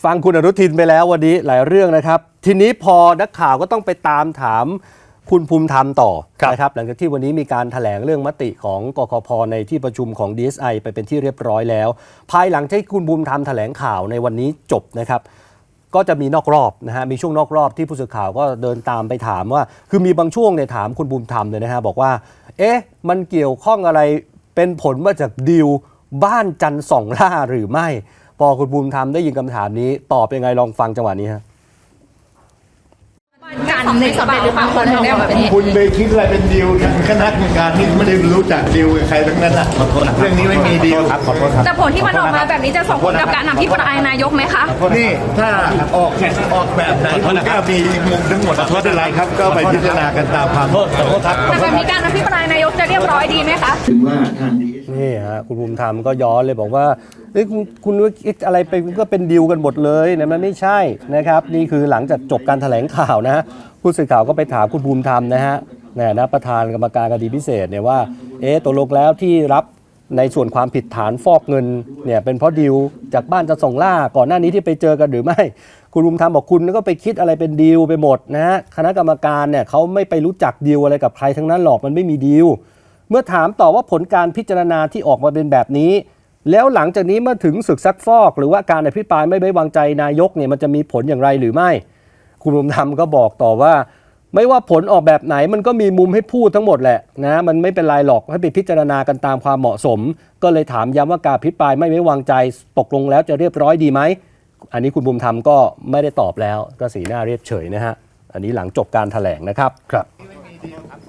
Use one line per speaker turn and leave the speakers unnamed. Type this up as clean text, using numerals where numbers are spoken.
ฟังคุณอนุทินไปแล้ววันนี้หลายเรื่องนะครับทีนี้พอนักข่าวก็ต้องไปตามถามคุณภูมิธรรมต่อนะครับหลังจากที่วันนี้มีการแถลงเรื่องมติของกกพ.ในที่ประชุมของ DSI ไปเป็นที่เรียบร้อยแล้วภายหลังที่คุณภูมิธรรมแถลงข่าวในวันนี้จบนะครับก็จะมีนอกรอบนะฮะมีช่วงนอกรอบที่ผู้สื่อข่าวก็เดินตามไปถามว่าคือมีบางช่วงเนี่ยถามคุณภูมิธรรมเลยนะฮะบอกว่ามันเกี่ยวข้องอะไรเป็นผลมาจากดีลบ้านจันทร์สองล่าหรือไม่พอคุณภูมิธรรมได้ยินคำถามนี้ตอบยังไงลองฟังจังหวะนี้ฮะ
การในสำเร็จหรือเปล่าคนถึงได้แบบนี้
คุณไปคิดอะไรเป็นดีลคณะกรรมการที่ไม่ได้รู้จักดีลกับใครทั้งนั้นเรื่องนี้ไม่มีดีลครับขอโทษครับ
แต่ผลที่มันออกมาแบบนี้จะส่งผลกับการอภิปรายนายกไหมคะ
นี่ถ้าออกแบบไหนก็มีมุมทั้งหมดไม่เป็นไรครับก็ไปพิจารณากันตามความ
แต่แบบนี้การอภิปรายนายกจะเรียบร้อยดีไหมคะ
ถึงว่าทาง
นี่ฮะคุณภูมิธรรมก็ย้อนเลยบอกว่าคุณคิดอะไรไปก็เป็นดีลกันหมดเลยนะมันไม่ใช่นะครับนี่คือหลังจากจบการแถลงข่าวนะผู้สื่อข่าวก็ไปถามคุณภูมิธรรมนะฮะประธานกรรมการคดีพิเศษเนี่ยว่าตกลงแล้วที่รับในส่วนความผิดฐานฟอกเงินเนี่ยเป็นเพราะดีลจากบ้านจะส่งล่าก่อนหน้านี้ที่ไปเจอกันหรือไม่คุณภูมิธรรมบอกคุณก็ไปคิดอะไรเป็นดีลไปหมดนะฮะคณะกรรมการเนี่ยเขาไม่ไปรู้จักดีลอะไรกับใครทั้งนั้นหรอกมันไม่มีดีลเมื่อถามต่อว่าผลการพิจารณาที่ออกมาเป็นแบบนี้แล้วหลังจากนี้เมื่อถึงศึกซักฟอกหรือว่าการอภิปรายไม่ไว้วางใจนายกเนี่ยมันจะมีผลอย่างไรหรือไม่คุณภูมิธรรมก็บอกต่อว่าไม่ว่าผลออกแบบไหนมันก็มีมุมให้พูดทั้งหมดแหละนะมันไม่เป็นไรหรอกให้ไปพิจารณากันตามความเหมาะสมก็เลยถามย้ำว่าการอภิปรายไม่ไว้วางใจตกลงแล้วจะเรียบร้อยดีไหมอันนี้คุณภูมิธรรมก็ไม่ได้ตอบแล้วก็สีหน้าเรียบเฉยนะฮะอันนี้หลังจบการแถลงนะครับ